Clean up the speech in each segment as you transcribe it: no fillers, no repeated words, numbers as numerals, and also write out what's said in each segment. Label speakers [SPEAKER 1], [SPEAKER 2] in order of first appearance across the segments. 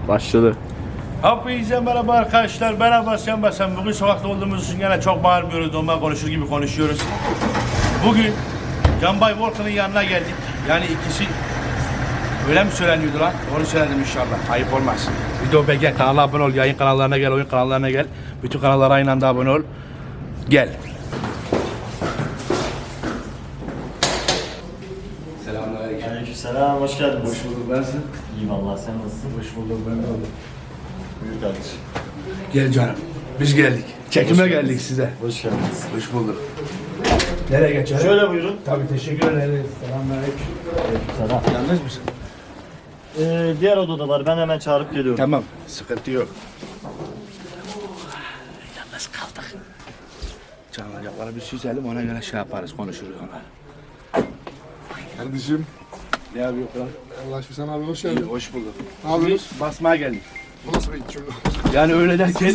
[SPEAKER 1] Başladı.
[SPEAKER 2] Hepinize merhaba arkadaşlar. Merhaba sen. Bugün sokakta olduğumuz için yine çok bağırmıyoruz. Normal konuşur gibi konuşuyoruz. Bugün Canbay Volkan'ın yanına geldik. Yani ikisi öyle mi söyleniyordu lan? Onu söyledim inşallah. Ayıp olmaz. Video beğen, kanala abone ol. Yayın kanallarına gel, oyun kanallarına gel. Bütün kanallara aynı anda abone ol. Gel. Selamünaleyküm.
[SPEAKER 3] Aleykümselam, hoş geldiniz.
[SPEAKER 2] Hoş bulduk. Nasılsın?
[SPEAKER 3] İyiyim Allah, sen nasılsın?
[SPEAKER 2] Hoş bulduk. Ben de oldum.
[SPEAKER 3] Buyur kardeşim.
[SPEAKER 2] Gel canım. Biz geldik. Çekime geldik size.
[SPEAKER 3] Hoş geldiniz.
[SPEAKER 2] Hoş bulduk. Nereye geçelim?
[SPEAKER 3] Şöyle buyurun.
[SPEAKER 2] Tabii teşekkür ederiz. Selamünaleyküm.
[SPEAKER 3] Aleykümselam.
[SPEAKER 2] Yalnız mısın?
[SPEAKER 3] Diğer odada var, ben hemen çağırıp geliyorum.
[SPEAKER 2] Tamam. Sıkıntı yok. Yalnız kaldık. Çalınacakları bir süzelim, ona göre şey yaparız, konuşuruz ona.
[SPEAKER 4] Kardeşim,
[SPEAKER 2] Ne yapıyor lan?
[SPEAKER 4] Allah aşkına sen abi hoş geldin.
[SPEAKER 2] Hoş bulduk.
[SPEAKER 4] Ne yapıyorsun?
[SPEAKER 2] Biz basmaya geldik.
[SPEAKER 4] Bu nasıl bir cümle?
[SPEAKER 2] Yani öyle derken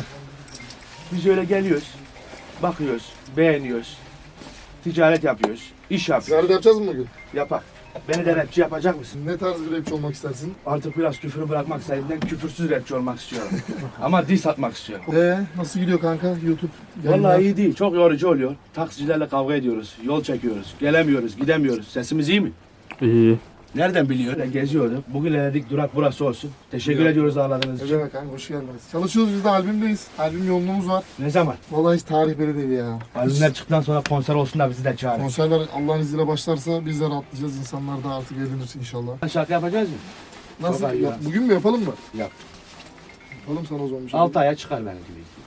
[SPEAKER 2] biz öyle geliyoruz, bakıyoruz, beğeniyoruz, ticaret yapıyoruz, iş yapıyoruz.
[SPEAKER 4] Ziyaret yapacağız mı bugün?
[SPEAKER 2] Yapak. Beni de rapçi yapacak mısın?
[SPEAKER 4] Ne tarz bir rapçi olmak istersin?
[SPEAKER 2] Artık biraz küfürü bırakmak istediğimden küfürsüz rapçi olmak istiyorum. Ama diss atmak istiyorum.
[SPEAKER 4] Nasıl gidiyor kanka YouTube? yayınlar?
[SPEAKER 2] Vallahi iyi değil. Çok yorucu oluyor. Taksicilerle kavga ediyoruz. Yol çekiyoruz. Gelemiyoruz, gidemiyoruz. Sesimiz iyi mi?
[SPEAKER 1] İyi.
[SPEAKER 2] Nereden biliyor? Geziyorduk. Bugün dedik durak burası olsun. Teşekkür ediyoruz ağırladığınız
[SPEAKER 4] Ne
[SPEAKER 2] için.
[SPEAKER 4] demek kanka, hoş geldiniz. Çalışıyoruz, biz de albümdeyiz. Albüm yoğunluğumuz var.
[SPEAKER 2] Ne zaman?
[SPEAKER 4] Vallahi hiç tarih belli değil ya.
[SPEAKER 2] Albümler çıktıktan sonra konser olsun da bizi de çağırın.
[SPEAKER 4] Konserler Allah'ın izniyle başlarsa biz de rahatlayacağız. İnsanlar da artık eğlenir inşallah.
[SPEAKER 2] Şarkı yapacağız mı?
[SPEAKER 4] Nasıl?
[SPEAKER 2] Çok iyi ya.
[SPEAKER 4] Bugün mü yapalım mı?
[SPEAKER 2] Yap.
[SPEAKER 4] Yapalım sana o zaman bir şey.
[SPEAKER 2] 6 aya çıkar benim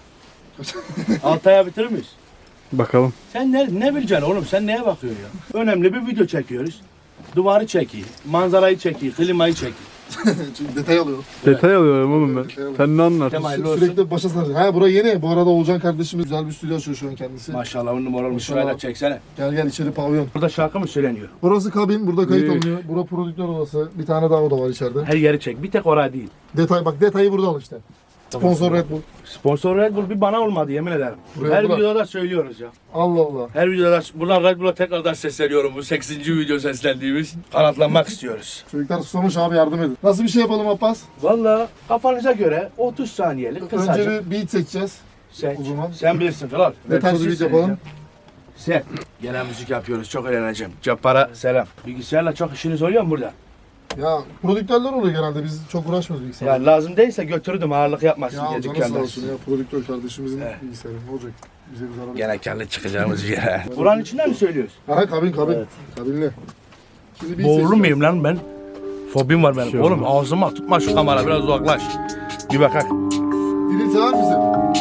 [SPEAKER 2] gibi. 6 aya bitirir miyiz?
[SPEAKER 1] Bakalım.
[SPEAKER 2] Sen ne bileceksin oğlum? Sen neye bakıyorsun ya? Önemli bir video çekiyoruz. Duvarı çekiyor, manzarayı çekiyor, klimayı çekiyor.
[SPEAKER 4] Çünkü detay alıyor.
[SPEAKER 1] Detay alıyorum oğlum ben.
[SPEAKER 4] Detay alıyorum.
[SPEAKER 1] Sen ne anlarsın?
[SPEAKER 2] Hayırlı olsun.
[SPEAKER 4] Sürekli başa saracak. Ha bura yeni. Bu arada Oğulcan kardeşimiz güzel bir stüdyo açıyor şu an kendisi.
[SPEAKER 2] Maşallah on numara olmuş.
[SPEAKER 4] Maşallah.
[SPEAKER 2] Şurayla çeksene.
[SPEAKER 4] Gel içeri pavyon.
[SPEAKER 2] Burada şarkı mı söyleniyor?
[SPEAKER 4] Burası kabin, burada kayıt
[SPEAKER 2] Büyük.
[SPEAKER 4] alınıyor. Bura prodüktör odası. Bir tane daha oda var içeride.
[SPEAKER 2] Her yeri çek. Bir tek oraya değil.
[SPEAKER 4] Detay bak, detayı burada al işte. Sponsor Red Bull.
[SPEAKER 2] Sponsor Red Bull bir bana olmadı yemin ederim.
[SPEAKER 4] Buraya
[SPEAKER 2] Her
[SPEAKER 4] bırak.
[SPEAKER 2] videoda söylüyoruz ya.
[SPEAKER 4] Allah Allah.
[SPEAKER 2] Her videoda buradan Red Bull'a tekrardan sesleniyorum. Bu 8. video seslendiğimiz. Kanatlanmak istiyoruz.
[SPEAKER 4] Çocuklar susamış abi, yardım edin. Nasıl bir şey yapalım Abbas?
[SPEAKER 2] Vallahi kafanıza göre 30 saniyelik kısacık.
[SPEAKER 4] Önce bir beat seçeceğiz.
[SPEAKER 2] Seç.
[SPEAKER 4] o zaman.
[SPEAKER 2] Sen bilirsin kral.
[SPEAKER 4] Ne tarz bir beat yapalım?
[SPEAKER 2] Sen. Gene müzik yapıyoruz. Çok eğleneceğim. Cabbar'a selam. Bilgisayarla çok işiniz oluyor mu burada?
[SPEAKER 4] Ya prodüktörler oluyor genelde, biz çok uğraşmıyoruz bilgisayarla.
[SPEAKER 2] Ya lazım değilse götürdüm. Ağırlık yapmasın
[SPEAKER 4] Ya
[SPEAKER 2] diye
[SPEAKER 4] canı sağ
[SPEAKER 2] dükkanda.
[SPEAKER 4] olsun ya, prodüktör kardeşimizin
[SPEAKER 2] Evet.
[SPEAKER 4] bilgisayarı. Ne olacak? Bize bir zarar.
[SPEAKER 2] Gene karlı çıkacağımız bir yere. Buranın içinden mi söylüyoruz?
[SPEAKER 4] Aha kabin.
[SPEAKER 3] Evet.
[SPEAKER 4] Kabinli. Şimdi beat
[SPEAKER 2] Boğulur
[SPEAKER 4] seçeceğiz.
[SPEAKER 2] muyum lan ben? Fobim var benim.
[SPEAKER 1] Şey
[SPEAKER 2] Oğlum ağzıma tutma şu kamera, biraz uzaklaş. Bir bakak.
[SPEAKER 4] Dilin sever misin?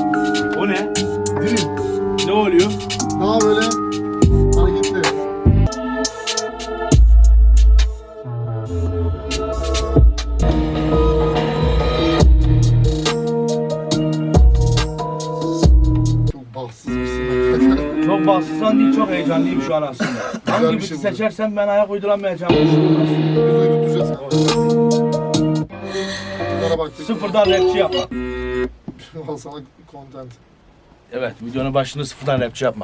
[SPEAKER 2] O ne?
[SPEAKER 4] Dilin.
[SPEAKER 2] Ne oluyor?
[SPEAKER 4] Daha böyle hareketli. Çok bahtsızmışsın.
[SPEAKER 2] Çok bahtsızlan değil, çok heyecanlıyım şu an aslında. Hangi
[SPEAKER 4] bir
[SPEAKER 2] biti
[SPEAKER 4] şey bu.
[SPEAKER 2] seçersem ben ayak uyduramayacağım.
[SPEAKER 4] Biz uyutacağız. Bunlara baktık.
[SPEAKER 2] Sıfırdan rapçi yapmak.
[SPEAKER 4] Al sana content.
[SPEAKER 2] Evet, videonun başını sıfırdan rapçi yapmak.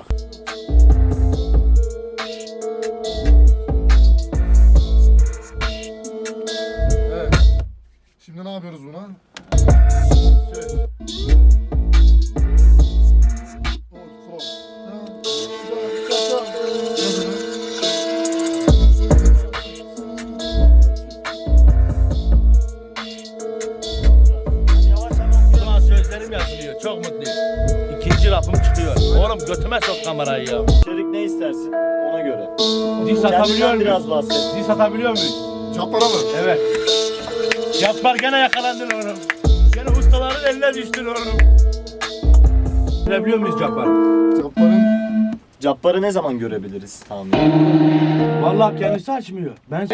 [SPEAKER 4] Evet. Şimdi ne yapıyoruz buna?
[SPEAKER 2] Şu an sözlerim yazılıyor, çok mutluyum. İkinci rapım çıkıyor. Oğlum götüme sok kamerayı ya.
[SPEAKER 3] İçerik ne istersin? Ona göre.
[SPEAKER 2] Diz atabiliyor
[SPEAKER 3] Kendinden
[SPEAKER 2] muyuz?
[SPEAKER 3] biraz bahset.
[SPEAKER 2] Diz atabiliyor muyuz?
[SPEAKER 4] Çapara mı?
[SPEAKER 2] Evet. Yapar gene yakalandın oğlum. Gene ustaların eline düştün oğlum. Görebiliyor muyuz Cabbar?
[SPEAKER 4] Çaparın
[SPEAKER 3] Cabbar'ı ne zaman görebiliriz tahmin?
[SPEAKER 2] Vallahi kendisi açmıyor. Ben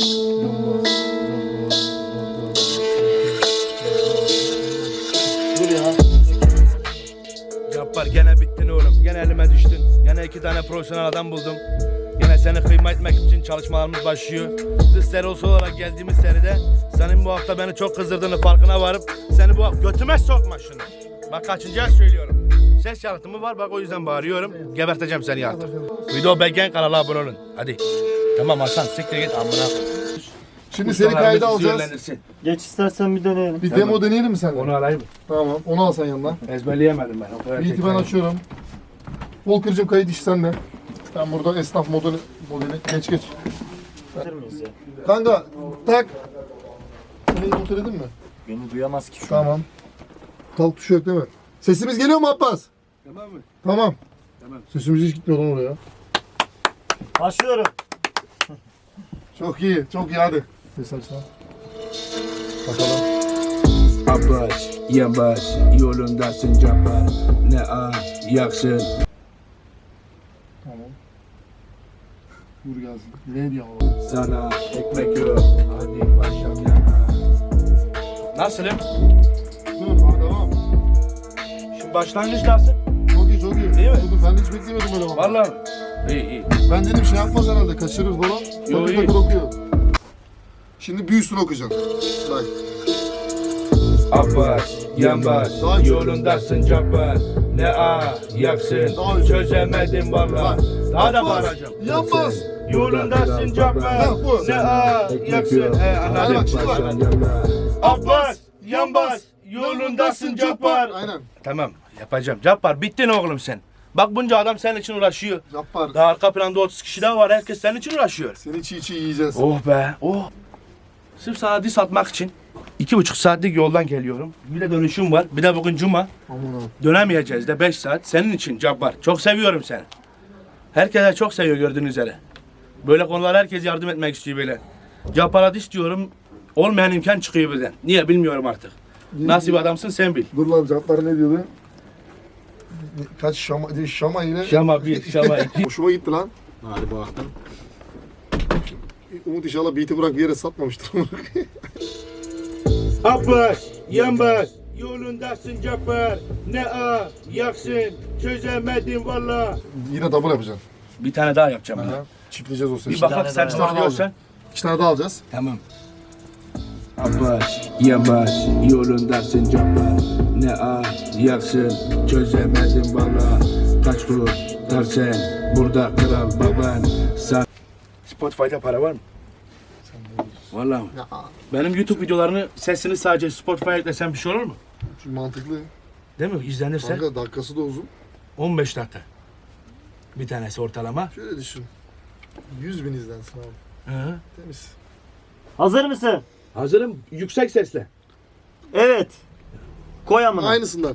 [SPEAKER 3] Dur ya.
[SPEAKER 2] Cabbar gene bittin oğlum. Gene elime düştün. Gene 2 tane profesyonel adam buldum. Gene seni kıyma etmek için çalışmalarımız başlıyor. Dış serisi olarak geldiğimiz seride senin bu hafta beni çok kızdırdığını farkına varıp seni bu hafta götüme sokma şunu. Bak kaçıncı söylüyorum. Ses yalıtımı var bak o yüzden bağırıyorum. Geberteceğim seni artık. Video beğen kanala abone olun. Hadi. Tamam Hasan siktir git amına.
[SPEAKER 4] Şimdi seni kayda alacağız.
[SPEAKER 2] yönlendirsin.
[SPEAKER 3] Geç istersen bir deneyelim.
[SPEAKER 4] Bir demo deneyelim mi seninle?
[SPEAKER 2] Onu alayım mı?
[SPEAKER 4] Tamam. Onu al sen yanına.
[SPEAKER 2] Ezberleyemedim ben. O kadar
[SPEAKER 4] Beat'i ben açıyorum. Volker'cığım kayıt işi sende. Ben burada esnaf modeli geç.
[SPEAKER 3] Bitir miyiz ya?
[SPEAKER 4] Kanka tak. Seni kontrol edin mi?
[SPEAKER 3] Beni duyamaz ki şu an.
[SPEAKER 4] Tamam. Kalk tuşu yok değil mi? Sesimiz geliyor mu Abbas?
[SPEAKER 2] Tamam mı?
[SPEAKER 4] Tamam.
[SPEAKER 2] Tamam.
[SPEAKER 4] Sesimiz hiç gitmiyor lan oraya.
[SPEAKER 3] Başlıyorum.
[SPEAKER 4] Çok iyi. Çok iyi hadi. Ses aç lan. Bakalım.
[SPEAKER 5] Abbas, yavaş, yolundasın Cabbar. Ne yaksın.
[SPEAKER 4] Tamam. Vur gelsin. Ne diyor ama?
[SPEAKER 5] Sana ekmek yok, hadi başlam yana.
[SPEAKER 2] Nasılım?
[SPEAKER 4] Dur hadi devam.
[SPEAKER 2] Şimdi başlangıç nasıl?
[SPEAKER 4] Çok iyi çok iyi.
[SPEAKER 2] Değil mi?
[SPEAKER 4] Dur, ben hiç beklemiyordum öyle bak.
[SPEAKER 2] Vallahi. İyi.
[SPEAKER 4] Ben dedim şey yapmaz herhalde. Kaçırır falan.
[SPEAKER 2] Yo,
[SPEAKER 4] Takır
[SPEAKER 2] iyi.
[SPEAKER 4] takır okuyor. Şimdi büyüsünü okuyacaksın. Bak.
[SPEAKER 5] Abbas, yavaş,
[SPEAKER 4] Daha iyi.
[SPEAKER 5] yolundasın Cabbar. Ne yaksın,
[SPEAKER 4] Daha iyi.
[SPEAKER 5] çözemedim valla.
[SPEAKER 2] Daha da
[SPEAKER 4] Yapmaz.
[SPEAKER 2] bağıracağım.
[SPEAKER 4] Yapmaz.
[SPEAKER 2] Yolundasın Cabbar.
[SPEAKER 4] Ha, bu.
[SPEAKER 2] Ne yaksın.
[SPEAKER 4] Hadi
[SPEAKER 2] Anladım.
[SPEAKER 4] bak şimdi bak.
[SPEAKER 2] Abbas, Yambas, yolundasın Cabbar.
[SPEAKER 4] Aynen.
[SPEAKER 2] Tamam, yapacağım. Cabbar, bittin oğlum sen. Bak bunca adam senin için uğraşıyor.
[SPEAKER 4] Yapar.
[SPEAKER 2] Daha arka planda 30 kişi daha var. Herkes senin için uğraşıyor.
[SPEAKER 4] Seni çiğ çiğ yiyeceğiz.
[SPEAKER 2] Oh be, oh. Sırf sana diss atmak için 2,5 saatlik yoldan geliyorum. Bir de dönüşüm var. Bir de bugün cuma.
[SPEAKER 4] Aman abi.
[SPEAKER 2] Dönemeyeceğiz de 5 saat. Senin için Cabbar. Çok seviyorum seni. Herkese çok seviyor gördüğünüz üzere. Böyle konular herkes yardım etmek istiyor böyle. Cabbar'a diss diyorum. Olmayan imkan çıkıyor birden. Niye bilmiyorum artık. Nasıl bir adamsın sen bil.
[SPEAKER 4] Dur lan Cabbar ne diyordu? Kaç şama yine.
[SPEAKER 2] Şama 1, Şama 2.
[SPEAKER 4] Hoşuma gitti lan.
[SPEAKER 5] Hadi bakalım.
[SPEAKER 4] Umut inşallah beat'i bırak bir yere satmamıştır.
[SPEAKER 2] Abbas, Yambas, yolundasın Cabbar. Ne yaksın, çözemedim valla.
[SPEAKER 4] Yine double yapacaksın.
[SPEAKER 2] Bir tane daha yapacağım.
[SPEAKER 4] Aha. Çiftleyeceğiz o sesi.
[SPEAKER 2] Bir bakak
[SPEAKER 3] tane
[SPEAKER 2] sen
[SPEAKER 3] daha.
[SPEAKER 2] söylüyorsan.
[SPEAKER 4] 2 tane daha alacağız.
[SPEAKER 2] Tamam.
[SPEAKER 5] Abbas, yavaş, yolundasın Cabbar. Ne yaksın, çözemedim valla. Kaç kurtar sen, burada kral baban. Sen
[SPEAKER 2] Spotify'da para var mı? Vallahi mi?
[SPEAKER 4] Ya,
[SPEAKER 2] Benim YouTube videolarını sesini sadece Spotify'a eklesem bir şey olur mu?
[SPEAKER 4] çünkü mantıklı.
[SPEAKER 2] Değil mi? İzlenirse
[SPEAKER 4] Kanka dakikası da uzun.
[SPEAKER 2] 15 dakika. Bir tanesi ortalama.
[SPEAKER 4] Şöyle düşün. 100 bin izlensin abi.
[SPEAKER 2] Hı.
[SPEAKER 4] Temiz.
[SPEAKER 3] Hazır mısın?
[SPEAKER 2] Hazırım. Yüksek sesle.
[SPEAKER 3] Evet. Koy amına.
[SPEAKER 4] Aynısından.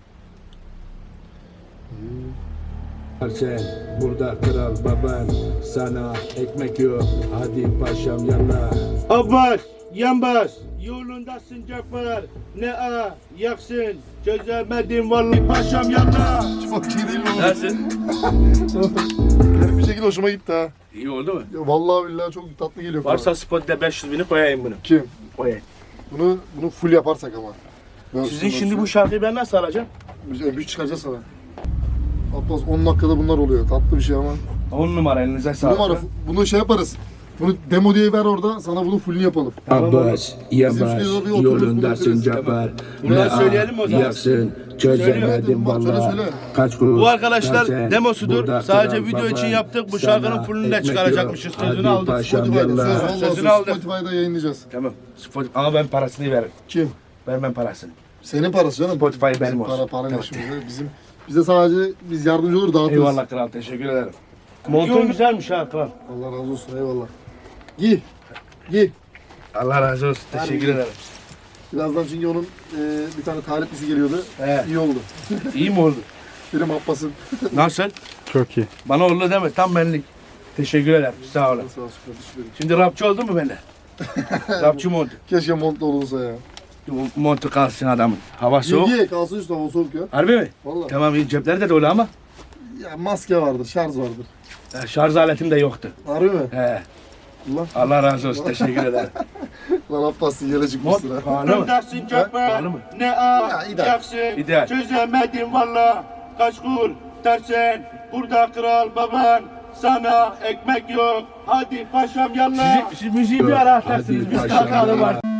[SPEAKER 5] sen, burada kral baban. Sana ekmek yok, hadi paşam yana.
[SPEAKER 2] Abbas, Yambas, yolundasın Cabbar. Ne yaksın, çözemedim vallahi paşam yanına.
[SPEAKER 4] Çok iyi değil mi oğlum?
[SPEAKER 2] Nasıl?
[SPEAKER 4] Benim bir şekilde hoşuma gitti ha.
[SPEAKER 2] İyi oldu mu?
[SPEAKER 4] Ya vallahi billahi çok tatlı geliyor.
[SPEAKER 2] Varsa Spotify'da 500 bini koyayım bunu.
[SPEAKER 4] Kim?
[SPEAKER 2] Koyayım.
[SPEAKER 4] Bunu full yaparsak ama.
[SPEAKER 2] Sizin şimdi bu şarkıyı ben nasıl alacağım?
[SPEAKER 4] MP3 çıkaracağız sana. Abbas 10 dakikada bunlar oluyor. Tatlı bir şey ama.
[SPEAKER 2] 10 numara elinize sağlık.
[SPEAKER 4] Numara, bunu şey yaparız. Bunu demo diye ver orada. Sana bunu fullünü yapalım.
[SPEAKER 5] Abbas, yavaş,
[SPEAKER 4] stüdyoda bir oturup
[SPEAKER 5] yolundasın
[SPEAKER 4] bunu
[SPEAKER 5] Cabbar.
[SPEAKER 2] Bunu da söyleyelim o zaman.
[SPEAKER 5] Yaksın, çözemedim
[SPEAKER 4] Söyle,
[SPEAKER 5] valla.
[SPEAKER 4] söyle.
[SPEAKER 5] Kaç kurtar
[SPEAKER 2] Bu arkadaşlar
[SPEAKER 5] sen,
[SPEAKER 2] demosudur.
[SPEAKER 5] burada
[SPEAKER 2] Sadece
[SPEAKER 5] kral
[SPEAKER 2] video için
[SPEAKER 5] baban.
[SPEAKER 2] yaptık. Bu
[SPEAKER 5] Sana
[SPEAKER 2] şarkının fullünü de
[SPEAKER 5] ekmek
[SPEAKER 2] çıkaracakmışız.
[SPEAKER 5] yok,
[SPEAKER 2] Sözünü
[SPEAKER 5] hadi
[SPEAKER 2] aldık.
[SPEAKER 5] paşam
[SPEAKER 4] Spotify'da
[SPEAKER 5] yallah.
[SPEAKER 4] söz. Vallahi
[SPEAKER 2] Sözünü
[SPEAKER 4] söz.
[SPEAKER 2] aldım.
[SPEAKER 4] Spotify'da yayınlayacağız.
[SPEAKER 2] Tamam. Spotify. Ama ben parasını veririm.
[SPEAKER 4] Kim?
[SPEAKER 2] Vermem parasını.
[SPEAKER 4] Senin parası canım.
[SPEAKER 2] Spotify benim
[SPEAKER 4] Bizim
[SPEAKER 2] olsun.
[SPEAKER 4] para
[SPEAKER 2] Tamam.
[SPEAKER 4] işimiz. Bize sadece biz yardımcı olur dağıtırız.
[SPEAKER 2] Eyvallah kral. Teşekkür ederim. Montun güzelmiş ha kral.
[SPEAKER 4] Allah razı olsun eyvallah. Giy. Giy.
[SPEAKER 2] Allah razı olsun. Teşekkür ederim.
[SPEAKER 4] Birazdan çünkü onun bir tane taliplisi geliyordu.
[SPEAKER 2] He.
[SPEAKER 4] İyi oldu.
[SPEAKER 2] İyi mi oldu?
[SPEAKER 4] Benim Abbas'ın.
[SPEAKER 2] Nasıl?
[SPEAKER 1] Çok iyi.
[SPEAKER 2] Bana oldu deme. Tam benlik. Teşekkür ederim. Sağ olun.
[SPEAKER 4] Sağ olsun kardeşim.
[SPEAKER 2] Şimdi rapçi oldu mu bende? Rapçi montu.
[SPEAKER 4] Keşke montlu olunsa ya.
[SPEAKER 2] Montu kalsın adamın. Hava soğuk.
[SPEAKER 4] Giy kalsın üstü hava soğuk ya.
[SPEAKER 2] Harbi mi?
[SPEAKER 4] Valla.
[SPEAKER 2] Tamam iyi. Cepleri de dolu ama
[SPEAKER 4] Ya maske vardır, şarj vardır.
[SPEAKER 2] şarj aletim de yoktu.
[SPEAKER 4] Harbi mi?
[SPEAKER 2] He.
[SPEAKER 4] Allah.
[SPEAKER 2] Allah razı olsun. Teşekkür ederim.
[SPEAKER 4] Lan Abbas yele çıkmışsın ha.
[SPEAKER 2] Pahalı mı? Pahalı mı?
[SPEAKER 3] Ne
[SPEAKER 4] ideal.
[SPEAKER 3] yaksın,
[SPEAKER 2] İdeal.
[SPEAKER 3] çözemedim valla. Kaç kur dersen, burada kral baban. Sana ekmek yok, hadi paşam yallah.
[SPEAKER 2] Siz müziği bir ara atarsınız.
[SPEAKER 5] Hadi
[SPEAKER 2] Biz
[SPEAKER 5] paşam
[SPEAKER 2] kalkalım
[SPEAKER 5] yallah.
[SPEAKER 2] artık.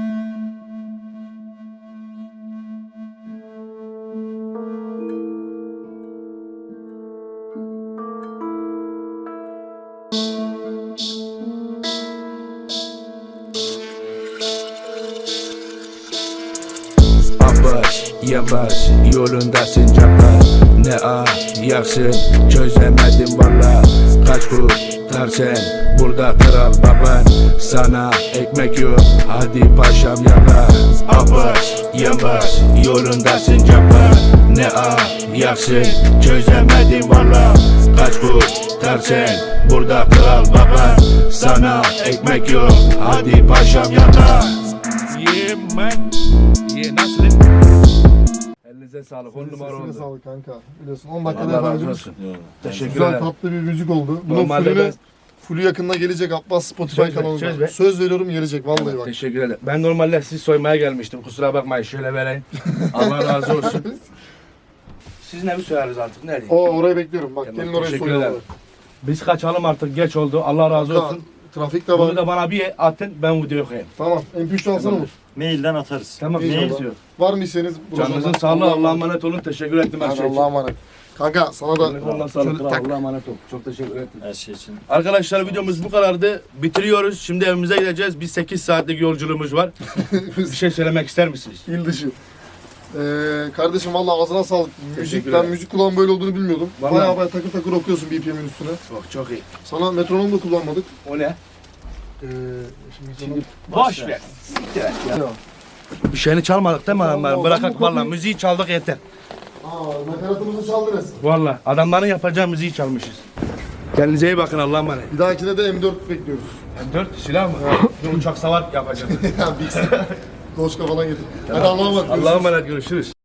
[SPEAKER 5] Abbas, yavaş, yolundasın cabbar. Ne ayaksın, çözemedim valla. Kaç kurtar sen, burada kral baban. Sana ekmek yok, hadi paşam yalla. Abbas, yavaş, yolundasın cabbar. Ne ayaksın, çözemedim valla. Kaç kurtar sen, burada kral baban. Sana ekmek yok, hadi paşam yalla.
[SPEAKER 2] Yeah man. Yeah nasıl? Elinize sağlık. 10 numara
[SPEAKER 4] Sesine
[SPEAKER 2] oldu.
[SPEAKER 4] sağlık kanka. Biliyorsun 10 dakikada
[SPEAKER 2] Allah razı
[SPEAKER 4] yapabildiğimiz
[SPEAKER 2] olsun. Teşekkür
[SPEAKER 4] güzel
[SPEAKER 2] ederim.
[SPEAKER 4] tatlı bir müzik oldu. Bunun
[SPEAKER 2] Normalde ben-
[SPEAKER 4] fullü yakında gelecek Abbas Spotify
[SPEAKER 2] Söz ver,
[SPEAKER 4] kanalında.
[SPEAKER 2] söz ver.
[SPEAKER 4] Söz veriyorum gelecek vallahi bak.
[SPEAKER 2] Teşekkür ederim. Ben normalde sizi soymaya gelmiştim. Kusura bakmayın. Şöyle vereyim. Allah razı olsun. Sizin evi soyarız artık. Nerede?
[SPEAKER 4] Orayı bekliyorum bak.
[SPEAKER 2] Tamam,
[SPEAKER 4] Gelin orayı
[SPEAKER 2] teşekkür
[SPEAKER 4] soyuyorlar.
[SPEAKER 2] ederim. Biz kaçalım artık. Geç oldu. Allah razı olsun.
[SPEAKER 4] Trafik de
[SPEAKER 2] Bunu
[SPEAKER 4] var.
[SPEAKER 2] da bana bir atın. Ben videoyu koyayım.
[SPEAKER 4] Tamam. MP3 alsana mı?
[SPEAKER 6] Mailden atarız.
[SPEAKER 2] Tamam.
[SPEAKER 4] İyi
[SPEAKER 2] Ne
[SPEAKER 4] oldu.
[SPEAKER 2] istiyor?
[SPEAKER 4] Var mı isteğiniz?
[SPEAKER 2] Canınızın sağlığı. Allah'a emanet olun. Teşekkür ettim her
[SPEAKER 4] Hadi
[SPEAKER 2] şey için.
[SPEAKER 4] Allah'a emanet. Kanka sana da
[SPEAKER 2] Allah'a sağlık.
[SPEAKER 4] şöyle tak.
[SPEAKER 2] Allah'a emanet ol. Çok teşekkür ettim.
[SPEAKER 6] Her şey için.
[SPEAKER 2] Arkadaşlar videomuz bu kadardı. Bitiriyoruz. Şimdi evimize gideceğiz. Bir 8 saatlik yolculuğumuz var. Bir şey söylemek ister misiniz?
[SPEAKER 4] İl dışı. Kardeşim vallahi ağzına sağlık. Müzik,
[SPEAKER 2] Teşekkür
[SPEAKER 4] ben
[SPEAKER 2] ederim.
[SPEAKER 4] müzik kulağım böyle olduğunu bilmiyordum.
[SPEAKER 2] Vallahi.
[SPEAKER 4] Bayağı takır takır okuyorsun BPM'in üstüne.
[SPEAKER 2] Çok iyi.
[SPEAKER 4] Sana metronom da kullanmadık.
[SPEAKER 2] O ne?
[SPEAKER 4] Şimdi
[SPEAKER 2] Boş ver. Siktir et ya. Bir şeyini çalmadık değil mi adamlar? Bırakak valla müziği çaldık yeter.
[SPEAKER 4] nakaratımızı çaldı resmen.
[SPEAKER 2] Valla adamların yapacağı müziği çalmışız. Kendinize iyi bakın Allah'a emanet.
[SPEAKER 4] Bir dahakine de M4 bekliyoruz.
[SPEAKER 2] M4 silah mı? Bir uçak savar yapacağız.
[SPEAKER 4] Ya Bix'i. Doşka falan getir. Hadi Allah'a emanet.
[SPEAKER 2] Allah'a emanet görüşürüz.